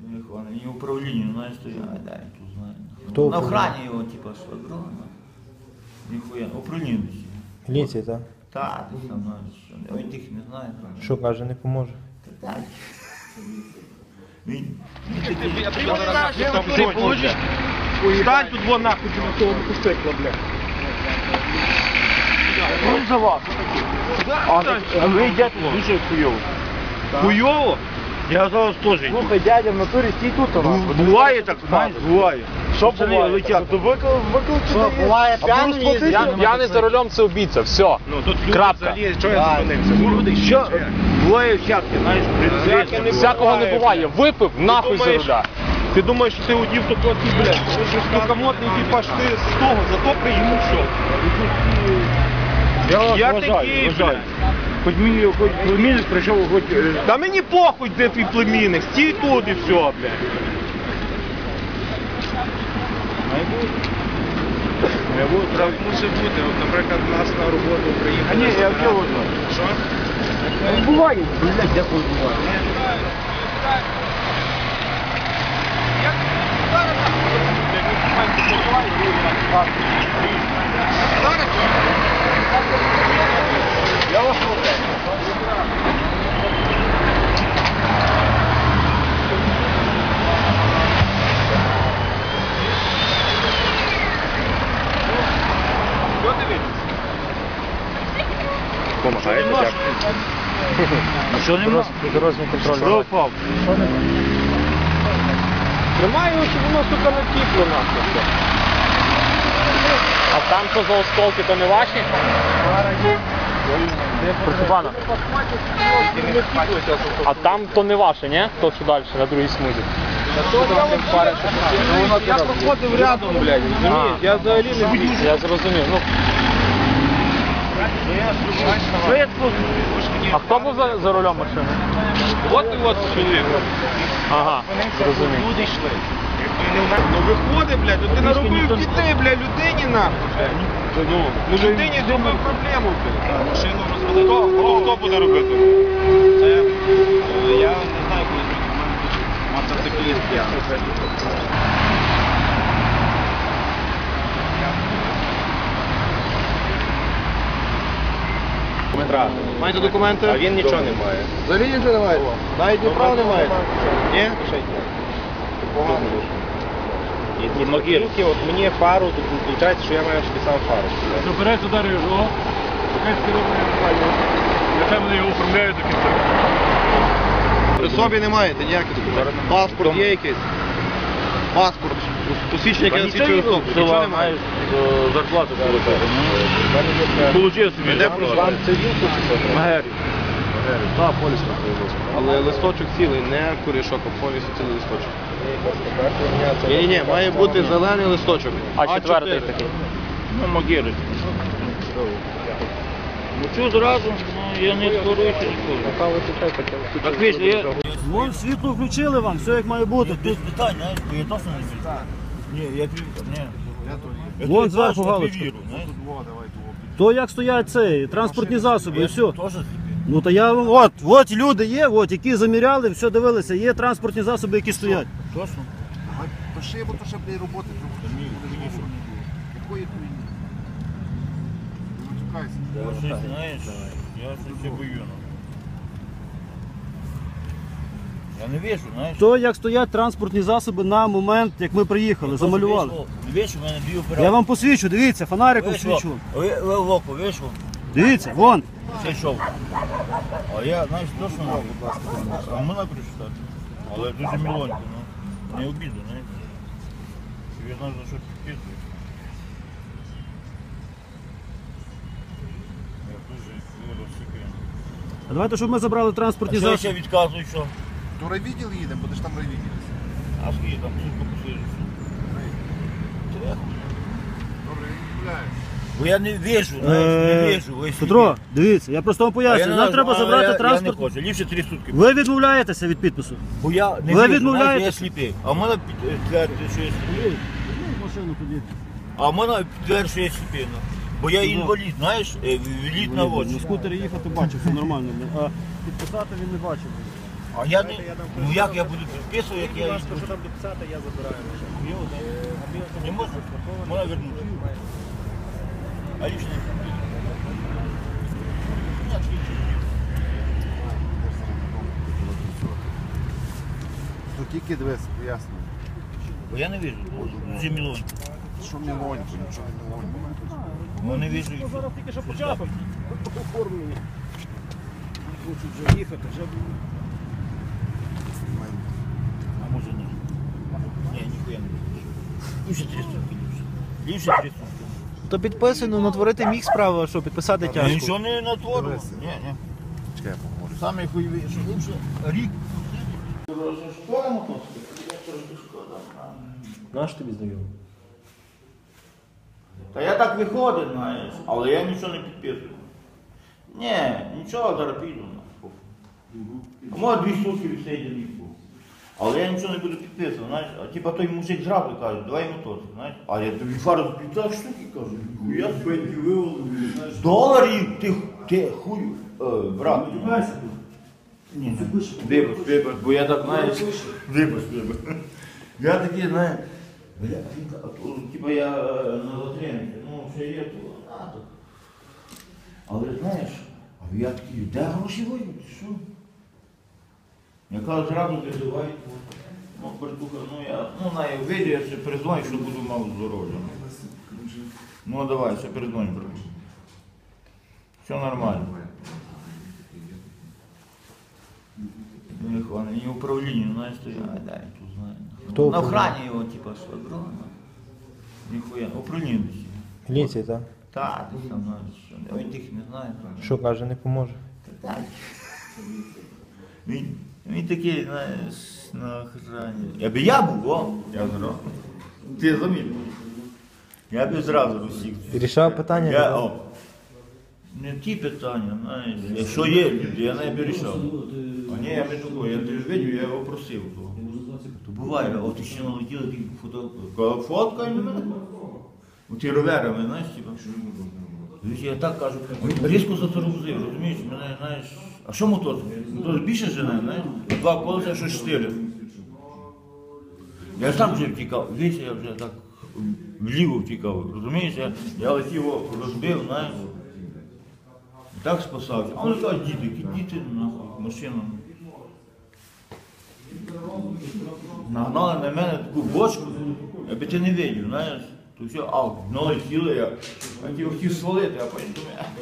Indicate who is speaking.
Speaker 1: Не управління, знаєш, то я тут знаю.
Speaker 2: Хто
Speaker 1: На охрані його, типа, швагрона. Ніхуя, управління.
Speaker 2: Міліції, так?
Speaker 1: Так, ти сам знаєш, що він тих не знає.
Speaker 2: Що каже, не поможе?
Speaker 1: Так. Він
Speaker 3: Ти получиш? Стань тут вон нахуй на того мотоцикла, блядь. Он за вас.
Speaker 2: А ви йдете дуже хуйово.
Speaker 3: Хуйово? Я зараз теж йду.
Speaker 2: Слухай, дядя, в натурі стій тут у нас.
Speaker 3: Буває так, знаєш, буває.
Speaker 2: Що буває? Виклик сюди. Буває п'яний?
Speaker 4: П'яний за рулем це убійця, все.
Speaker 3: Ну тут люди
Speaker 4: Крапка.
Speaker 3: взагалі, що я зупинився? Люди, що? Буває всяке, знаєш,
Speaker 4: Всякого не буває. Випив, нахуй за руля.
Speaker 3: Ти думаєш, що ти одів такого, блядь, стукомотний типаж, ти з того, зато приїму все. Я такий, блядь.
Speaker 5: Хоч мені, хоч племінник прийшов, хоч...
Speaker 3: Та мені похуй, де твій племінник, стій тут і все, блядь.
Speaker 5: Так мусить бути, от, наприклад, у нас на роботу приїхали.
Speaker 2: А ні, я в чого знаю.
Speaker 5: Що?
Speaker 2: Буває. Блядь, дякую, буває.
Speaker 3: Я вас слухаю. Що дивитися?
Speaker 5: Помагаєте, дякую.
Speaker 2: А що нема? Дорожній контроль.
Speaker 3: Що впав? Тримай його, щоб воно, сука, не тіпло нахуй.
Speaker 4: А там що за осколки, то не ваші? Прошу пана. А там то не ваше, ні? То, що далі, на другій смузі.
Speaker 3: Я проходив рядом, блядь, розумієш? Я взагалі не бачу.
Speaker 4: Я зрозумів. Ну, а хто був за рулем машини?
Speaker 3: От і от чоловік.
Speaker 4: Ага, зрозумів.
Speaker 3: Люди йшли. Ну виходи, блядь, ти наробив дітей, блядь, людині нахуй, блядь. Ну людині зробив проблему, блядь. Машину розвели. Хто буде робити? Це, я не знаю, коли мотоцикліст п'яний. Маєте документи? А він нічого не має.
Speaker 5: Взагалі нічого немає.
Speaker 3: Навіть ні права немає. Ні?
Speaker 5: І могилки, от мені фару, виходить, що я маю списав фару.
Speaker 6: Наперед ударив його, якась керівна, нехай вони його оформляють до кінця.
Speaker 3: При собі не маєте ніяких документів. Паспорт є якийсь? Паспорт. Посвідчення, яке засвідчує особу. Нічого немає.
Speaker 6: Зарплату получив собі.
Speaker 3: Де проживає?
Speaker 5: Це він тут?
Speaker 6: Магері.
Speaker 5: Так, поліска появилася.
Speaker 3: Але листочок цілий, не корішок, а повністю цілий листочок. Ні, має бути зелений листочок.
Speaker 4: А четвертий такий?
Speaker 1: Ну, могили. Ну, чого зразу? Ну, я не скоруюся ніколи. Так, вийшли, я...
Speaker 6: Вон світло включили вам, все як має бути.
Speaker 1: Без питань, знаєш, бо я точно не вірю. Ні, я ні.
Speaker 6: Вон зверху галочка. То як стоять ці транспортні засоби і все.
Speaker 1: Теж
Speaker 6: Ну то я от люди є, які заміряли, все дивилися, є транспортні засоби, які стоять.
Speaker 1: точно.
Speaker 5: Пиши, бо то ще, блядь, роботи. Якої хуйні? Не матюкайся.
Speaker 1: Я щось, знаєш, я щось бою. Я не вижу, знаєш.
Speaker 6: То як стоять транспортні засоби на момент, як ми приїхали, замалювали.
Speaker 1: Не вийшов, в мене дві операції.
Speaker 6: Я вам посвічу, дивіться, фонариком свічу.
Speaker 1: Ви в око вийшов,
Speaker 6: Дивіться, вон.
Speaker 1: зайшов. А я, знаєш, точно, будь ласка, а мене прочитати. Але дуже мілонько, ну, не обіду, знаєш. Я знаю, за що підписуєш. Я дуже розсикаю.
Speaker 6: А давайте, щоб ми забрали транспортні
Speaker 1: А що я
Speaker 6: засоби.
Speaker 1: ще відказую, що?
Speaker 5: До райвідділ їдемо, бо ти ж там райвідділ.
Speaker 1: А скільки там сутку посидиш?
Speaker 5: Добре, я відмовляюсь.
Speaker 1: Бо я не вижу, знаєш, не вижу. весь
Speaker 6: Петро,
Speaker 1: світ.
Speaker 6: дивіться, я просто вам
Speaker 1: А я не
Speaker 6: поясню, нам
Speaker 1: знаю,
Speaker 6: треба
Speaker 1: а
Speaker 6: забрати
Speaker 1: Я
Speaker 6: транспорт.
Speaker 1: не хочу, ліпше 3 сутки.
Speaker 6: Ви відмовляєтеся від підпису?
Speaker 1: Бо я не
Speaker 6: Ви
Speaker 1: вижу,
Speaker 6: відмовляєтесь?
Speaker 1: знаєш, я сліпий. А в мене підтверджує, що я сліпий.
Speaker 6: Машину тоді.
Speaker 1: А в мене підтверджує, що я сліпий. ну. Бо я інвалід, знаєш, інвалід на
Speaker 6: На
Speaker 1: очі.
Speaker 6: скутері їхати бачив, все нормально. А підписати він не бачив.
Speaker 1: А я не, ну як я буду підписувати, як я їх
Speaker 2: Що
Speaker 1: буду?
Speaker 2: там дописати, я забираю.
Speaker 1: Не можна? Можна вернути. А лично не
Speaker 7: Ну тільки дивись, ясно.
Speaker 1: Бо я не вижу, дуже мілонько.
Speaker 7: Що мілонько, нічого не мілонько.
Speaker 1: Ну не вижу.
Speaker 2: Зараз тільки що почав. Оформлені. Хочуть вже їхати, вже
Speaker 1: А може ні. Ні, ніхуя не вижу. Ліпше 3 сутки, ліпше 3 сутки.
Speaker 6: То підписуй, ну натворити міг справу, а що підписати
Speaker 1: Я
Speaker 6: тяжко.
Speaker 1: нічого не натворив.
Speaker 7: Дивися.
Speaker 1: Ні, ні.
Speaker 7: Чекай, я поможу.
Speaker 1: Саме хуйові, що ліпше рік. Шкода мотоцикл? Я трошки шкода.
Speaker 6: Наш тобі знайомий.
Speaker 1: Та я так виходив, знаєш, але я нічого не підписую. Ні, нічого, зараз піду. А може 2 сутки відсидів рік був. Але я нічого не буду підписувати, знаєш. А типа той мужик зразу каже, давай мотоцикл, знаєш. А я тобі фару 50 штуки кажу, я пеньки виволив, знаєш. Доларів ти хуй, брат. Ні, вибач, бо я так, знаєш, вибач. Я такий, знаєш, типа я на затримці, ну, ще є то, так. Але знаєш, а я такий, де гроші вийдуть, що? Я кажу, зразу визивають, ну, братуха, ну я, ну, знаю, вийду, я ще перезвоню, що буду мав здоров'я. Ну, давай, ще перезвоню, брат. Все нормально. Не хвана, не управління, знаєш, то я, дай, тут знаю.
Speaker 6: Хто
Speaker 1: На
Speaker 6: управління?
Speaker 1: охрані його, типа, швагро. Ніхуя, управління десь.
Speaker 6: Міліція, так?
Speaker 1: Так, ти там знаєш, що. Він тих не знає.
Speaker 6: Що каже, не поможе.
Speaker 1: Так. Він такий, знаєш, на охрані. Я був, о, я зразу. Ти замітив. Я б зразу усіх.
Speaker 6: Рішав питання?
Speaker 1: Я, о, не ті питання, знаєш. Якщо є люди, я не вирішав. А ні, я не такой, я ти ж видів, я його просив. То буває, от ще налетіли такі фото. Фоткай мене. Ті роверами, знаєш, типа. Я так кажу, він різко затормозив, розумієш, мене, знаєш, а що мотоцикл? Мотоцикл більше жене, знаєш, 2 колеса, що 4. Я сам вже втікав, весь я вже так вліво втікав, розумієш, я летів його розбив, знаєш, і так спасався. А вони кажуть, діти, нахуй, машина. Нагнали на мене таку бочку, я би ти не видів, знаєш. То все, налетіли я хотів свалити, а потім думаю,